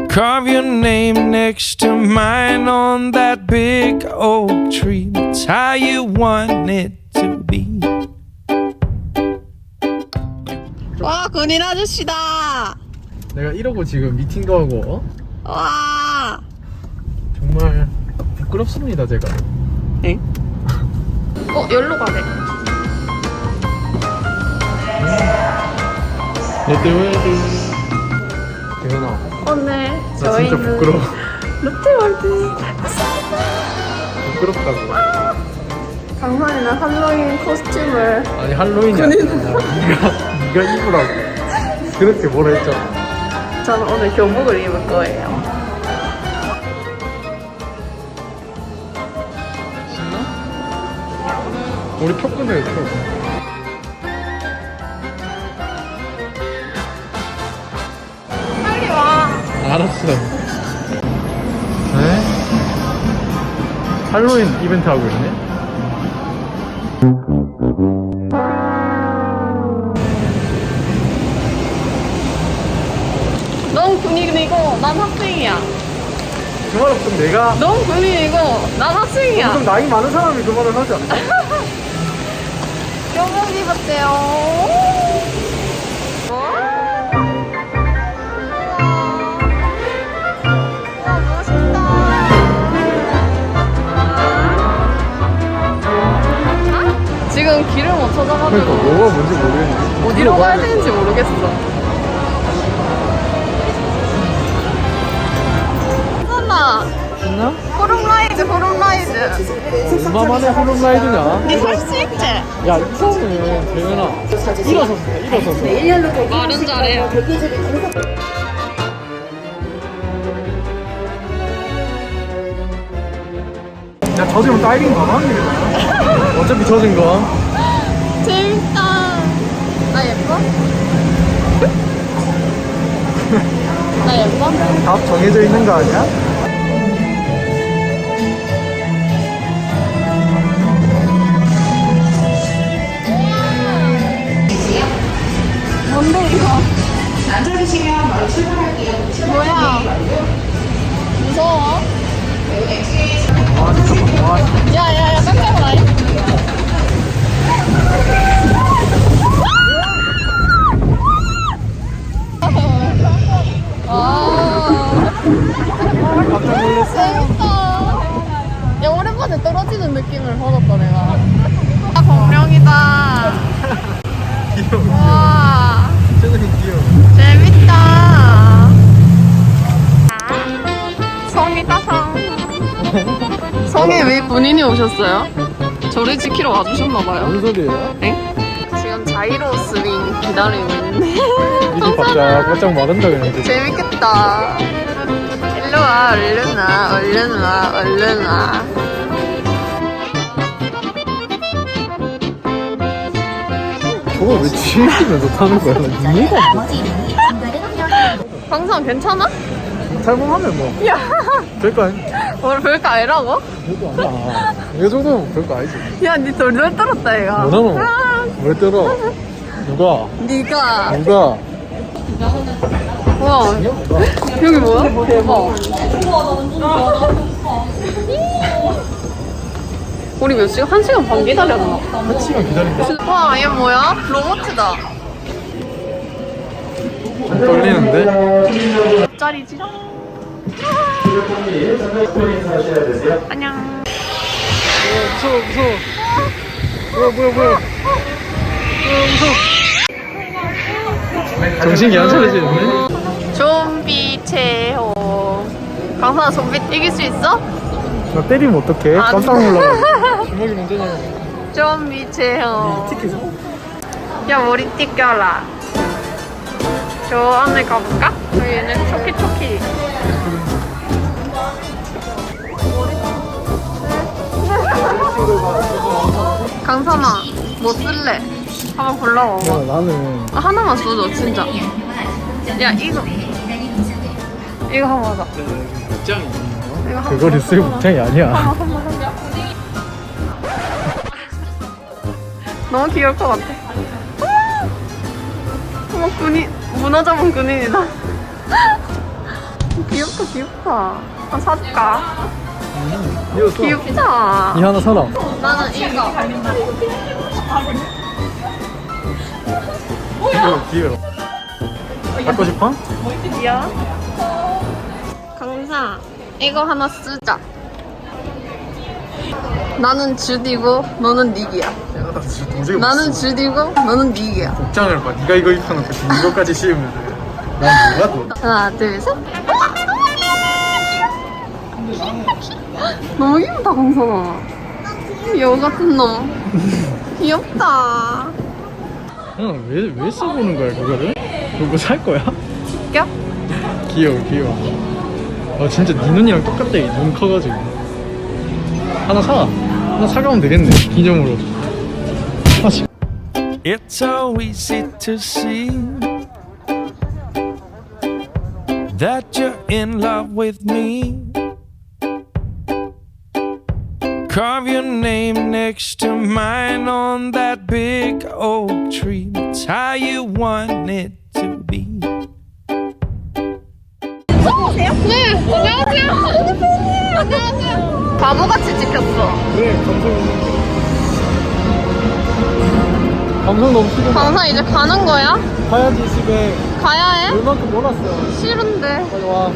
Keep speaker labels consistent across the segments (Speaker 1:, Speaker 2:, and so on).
Speaker 1: Carve your name next to mine on that big oak tree. That's how you want it to be.
Speaker 2: 와, 군인 아저씨다.
Speaker 3: 내가 이러고 지금 미팅도 하고
Speaker 2: 와.
Speaker 3: 정말 부끄럽습니다 제가.
Speaker 2: 엥? 여기로 가래.
Speaker 3: 롯데월드. 대현아,
Speaker 2: 오늘
Speaker 3: 나 진짜
Speaker 2: 저희는
Speaker 3: 부끄러워.
Speaker 2: 롯데월드.
Speaker 3: 부끄럽다고.
Speaker 2: 강산이는 할로윈 코스튬을.
Speaker 3: 아니 할로윈이 아니야. 네가 입으라고. 그렇게 뭐라 했잖아.
Speaker 2: 저는 오늘 교복을 입을 거예요.
Speaker 3: 우리 표 끊어요 표.
Speaker 2: 빨리 와.
Speaker 3: 알았어. 네? 할로윈 이벤트 하고 있네?
Speaker 2: 넌 군인이고 난 학생이야.
Speaker 3: 그 말은 좀 내가
Speaker 2: 넌 군인이고 난 학생이야.
Speaker 3: 좀 나이 많은 사람이 그 말을 하지 않나?
Speaker 2: 교복 입었대요. 와, 멋있다. 지금 길을 못 찾아가지고
Speaker 3: 그러니까 뭐가 뭔지 모르겠네.
Speaker 2: 어디로 가야 되는지 모르겠어. 하나
Speaker 3: 신나?
Speaker 2: 호룸라이드 호룸라이드.
Speaker 3: 얼마만에 호룸라이드냐?
Speaker 2: 니 살 수 있지?
Speaker 3: 야 이거는 대현아 일어서서 해, 일어서서.
Speaker 2: 말은 잘해요.
Speaker 3: 야 젖으면 다이빙 가만히. 어차피 젖은 거.
Speaker 2: 재밌다. 나 예뻐? 나 예뻐?
Speaker 3: 답 정해져 있는 거 아니야?
Speaker 2: 뭔데 이거?
Speaker 4: 앉아주시면 바로 출발할게요.
Speaker 2: 뭐야? 무서워?
Speaker 3: 와 진짜 와.
Speaker 2: 야야야 깜짝아.
Speaker 3: 깜짝 놀랐어.
Speaker 2: 재밌다. 야 오랜만에 떨어지는 느낌을 받았다 내가. 아 공룡이다.
Speaker 3: 귀여워.
Speaker 2: 와
Speaker 3: 최근에 귀여워.
Speaker 2: 재밌다. 성이다 성. 성에 왜 군인이 오셨어요? 저를 지키러 와주셨나봐요.
Speaker 3: 무슨 소리예요?
Speaker 2: 지금 자이로 스윙 기다리고 있는데.
Speaker 3: 미리 바짝 마른다 그랬는데.
Speaker 2: 재밌겠다. 일로 와, 얼른 와, 얼른 와, 얼른 와.
Speaker 3: 저거 왜 뒤에 있으면서 타는 거야? 나 이해가 안 돼.
Speaker 2: 항상 괜찮아?
Speaker 3: 탈모하면 뭐
Speaker 2: 야,
Speaker 3: 별거 아니야.
Speaker 2: 오늘 별거 아니라고?
Speaker 3: 별거 아니야. 이 정도면 별거 아니지.
Speaker 2: 야, 니 돌돌 떨었다, 얘가.
Speaker 3: 뭐나노? 왜 떨어? 누가?
Speaker 2: 니가.
Speaker 3: 누가?
Speaker 2: 와, 여기 뭐야? 대박. 우리 몇 시간? 1시간 반 기다렸나?
Speaker 3: 한 시간 기다린다.
Speaker 2: 와, 얘 뭐야? 로봇이다.
Speaker 3: 좀 떨리는데?
Speaker 2: 짤이지롱. 안녕.
Speaker 3: 무서워. 뭐야. 무서워. 정신이 안 차려지는데?
Speaker 2: 좀비 체험. 강산아, 좀비 이길 수 있어?
Speaker 3: 나 때리면 어떡해?
Speaker 2: 안
Speaker 3: 깜짝 놀라가지고. 주먹이 먼저 나가.
Speaker 2: 좀비 체험.
Speaker 3: 티켓
Speaker 2: 야, 머리띠 껴라. 저 안에 가볼까? 여기는 초키초키. 강산아, 뭐 쓸래? 한번 골라봐.
Speaker 3: 야 나는
Speaker 2: 하나만 써줘, 진짜. 야, 이거 한번 하자.
Speaker 3: 복장이
Speaker 2: 이거 한번
Speaker 3: 그거를 쓸 복장이 아니야.
Speaker 2: 너무 귀여울 것 같아. 어머, 군인, 문어 잡은 군인이다. 귀엽다 귀엽다. 아 사줄까?
Speaker 3: 이거 써.
Speaker 2: 귀엽다.
Speaker 3: 이 하나 사라.
Speaker 2: 나는 이거.
Speaker 3: 귀여워. 갖고 싶어?
Speaker 2: 귀여워. 강사 이거 하나 쓰자. 나는 주디고 너는 닉이야.
Speaker 3: 야, 나 진짜 도저히
Speaker 2: 나는 주디고 너는 닉이야.
Speaker 3: 복장을 봐. 네가 이거 입혀놓고 지금 이거까지 씌우면 난 뭐가 또?
Speaker 2: 하나 둘 셋. 너무 귀엽다 강선아. 여우 같은 놈. 귀엽다.
Speaker 3: 왜 써보는 거야 그거를? 그거 살 거야?
Speaker 2: 웃겨?
Speaker 3: 귀여워. 아 진짜 네 눈이랑 똑같다. 눈 커가지고. 하나 사. 하나 사가면 되겠네. 기념으로. 하나씩.
Speaker 1: It's so easy to see that you're in love with me. Carve your name next to mine on that big oak tree. That's how you want it to be.
Speaker 2: 네 안녕하세요. 안녕하세요. 바보같이 찍혔어.
Speaker 3: 그래 감성 너무 싫어.
Speaker 2: 강사 이제 가는 거야?
Speaker 3: 가야지 집에.
Speaker 2: 가야 해?
Speaker 3: 얼만큼 몰았어.
Speaker 2: 싫은데.
Speaker 3: 빨리 와.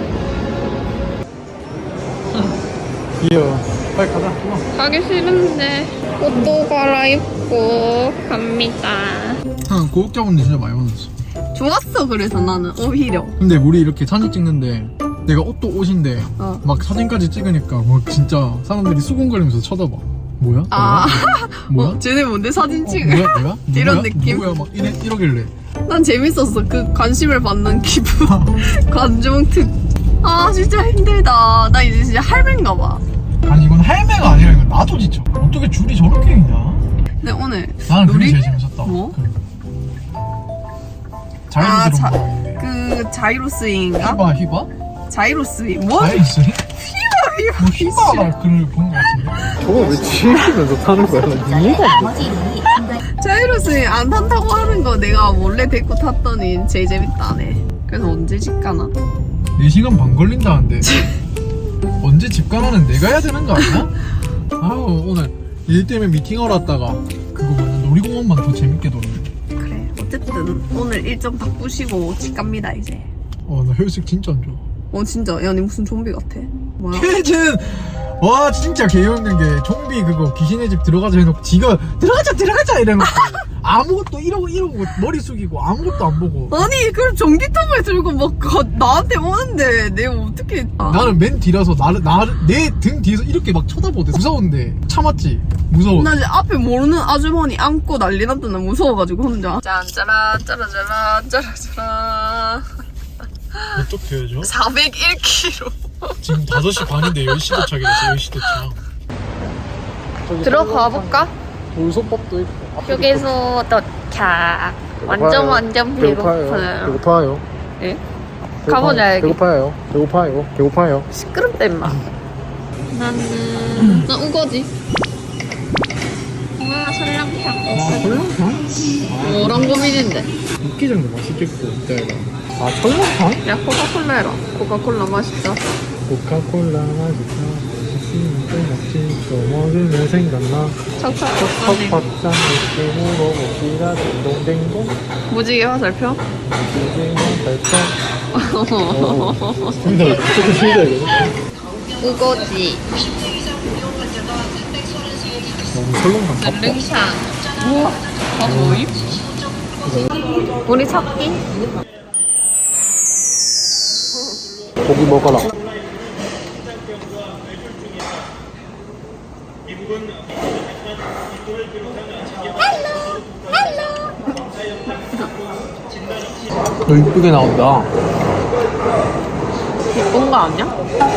Speaker 3: 귀여워. 빨리 가자.
Speaker 2: 가기 싫은데. 옷도 갈아입고 갑니다.
Speaker 3: 고급자분들 진짜 많이 만났어.
Speaker 2: 좋았어. 그래서 나는 오히려.
Speaker 3: 근데 우리 이렇게 사진 찍는데 내가 옷도 옷인데
Speaker 2: 어.
Speaker 3: 막 사진까지 찍으니까 막 진짜 사람들이 수군거리면서 쳐다봐. 뭐야?
Speaker 2: 아.
Speaker 3: 뭐야?
Speaker 2: 쟤네 뭔데 사진 찍어?
Speaker 3: 뭐야?
Speaker 2: 이런
Speaker 3: 누구야?
Speaker 2: 느낌?
Speaker 3: 누구야? 막 이러길래.
Speaker 2: 난 재밌었어. 그 관심을 받는 기분. 관중 특. 아 진짜 힘들다. 나 이제 진짜 할매인가 봐.
Speaker 3: 아니 이건 할매가 아니라 이건 나도 지쳐. 어떻게 줄이 저렇게 있냐?
Speaker 2: 근데 오늘
Speaker 3: 나는 그게
Speaker 2: 놀이-
Speaker 3: 제일 재밌었다.
Speaker 2: 뭐? 아,
Speaker 3: 자이로
Speaker 2: 자-
Speaker 3: 들어온
Speaker 2: 그 자이로스인가?
Speaker 3: 거 휘바?
Speaker 2: 자이로스인 뭐?
Speaker 3: 자이로스? 뭐 휘바가 글을 본 거 같은데. 저거 왜 지키면서 타는 거야? 이해가
Speaker 2: 자이로스인 안 탄다고 하는 거 내가 몰래 데리고 탔더니 제일 재밌다네. 그래서 언제 집 가나?
Speaker 3: 4시간 반 걸린다는데 언제 집 가라는 내가 해야 되는 거 아니야? 아우 오늘 일 때문에 미팅하러 왔다가 그거 뭐냐 놀이공원만 더 재밌게 놀네.
Speaker 2: 그래 어쨌든 오늘 일정 바꾸시고 집 갑니다 이제.
Speaker 3: 나 혈색 진짜 안 좋아.
Speaker 2: 진짜 야 니 무슨 좀비 같아. 뭐야?
Speaker 3: 혜진! 와 진짜 개웃는 게 좀비 그거 귀신의 집 들어가자 해놓고 지가 들어가자 이래놓고 아무것도 이러고 머리 숙이고 아무것도 안 보고
Speaker 2: 아니 그럼 전기톱을 들고 막 나한테 오는데 내가 어떻게
Speaker 3: 나는 맨 뒤라서 내 등 뒤에서 이렇게 막 쳐다보대. 무서운데 참았지. 무서워.
Speaker 2: 나 이제 앞에 모르는 아주머니 안고 난리 났더니 무서워가지고 혼자 짠짜라 짜라짜라 짜라짜라
Speaker 3: 몇 쪽 되어줘?
Speaker 2: 401kg
Speaker 3: 지금 5시 반인데 10시 도착이랬어. 10시 도착.
Speaker 2: 들어가 볼까?
Speaker 3: 돌솥밥도 있고.
Speaker 2: 휴게소 도착. 완전 배고파요.
Speaker 3: 배고파요.
Speaker 2: 예? 가보자 여기.
Speaker 3: 배고파요.
Speaker 2: 시끄럽다 임마. 나 우거지. 와 설렁탕.
Speaker 3: 설렁탕?
Speaker 2: 뭐랑 고민인데?
Speaker 3: 육개장도 맛있겠고 이따가. 설렁탕?
Speaker 2: 야 코카콜라 해라. 코카콜라 맛있다.
Speaker 3: 코카콜라 맛있다. 맛있으면 또 먹지. 또 먹으면 생각나.
Speaker 2: 척척
Speaker 3: 척박장 느낌으로 먹기가 딩동댕동.
Speaker 2: 무지개 화살표?
Speaker 3: 힘들어 이거.
Speaker 2: 우거지.
Speaker 3: 설렁탕
Speaker 2: 릉샹. 우와. 다 뭐임? 우리 찾기?
Speaker 3: 고기 먹어라. 너 이쁘게 나온다.
Speaker 2: 예쁜 거 아니야?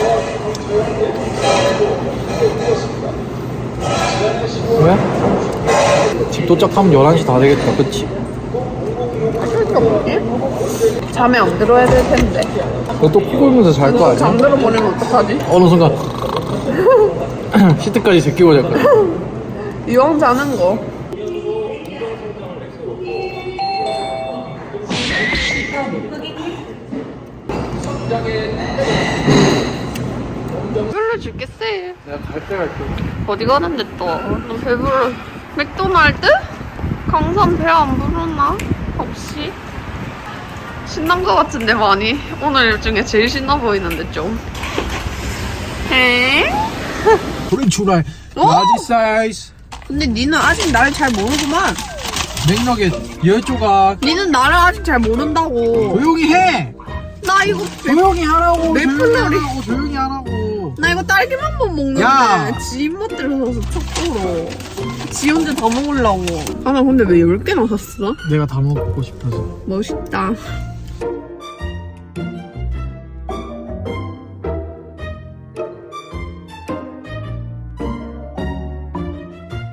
Speaker 3: 왜? 집 도착하면 11시 다 되겠다. 그치?
Speaker 2: 잠에 안 들어야 될 텐데.
Speaker 3: 너 또 피 굴면서 잘 거 아니야?
Speaker 2: 잠들어 버리면 어떡하지?
Speaker 3: 어느 순간 시트까지 제끼고 잘 거야.
Speaker 2: 이왕 자는 거. 줄겠지.
Speaker 3: 내가 갈 때 갈게.
Speaker 2: 어디 가는데 또? 너 배불러. 맥도날드? 강산 배 안 부르나? 혹시? 신난 거 같은데 많이. 오늘 중에 제일 신나 보이는데 좀. 에?
Speaker 3: 우리 출발.
Speaker 2: 어?
Speaker 3: 라지 사이즈.
Speaker 2: 근데 니는 아직 나를 잘 모르구만.
Speaker 3: 맥너겟 10조각.
Speaker 2: 니는 나를 아직 잘 모른다고.
Speaker 3: 조용히 해.
Speaker 2: 나 이거
Speaker 3: 조용히 하라고.
Speaker 2: 메플러리.
Speaker 3: 조용히 하라고.
Speaker 2: 나 이거 딸기만만 먹는데
Speaker 3: 야.
Speaker 2: 지 입맛 들어서 척도로 지 혼자 다 먹으려고. 아 나 근데 왜 10개나 샀어?
Speaker 3: 내가 다 먹고 싶어서.
Speaker 2: 멋있다.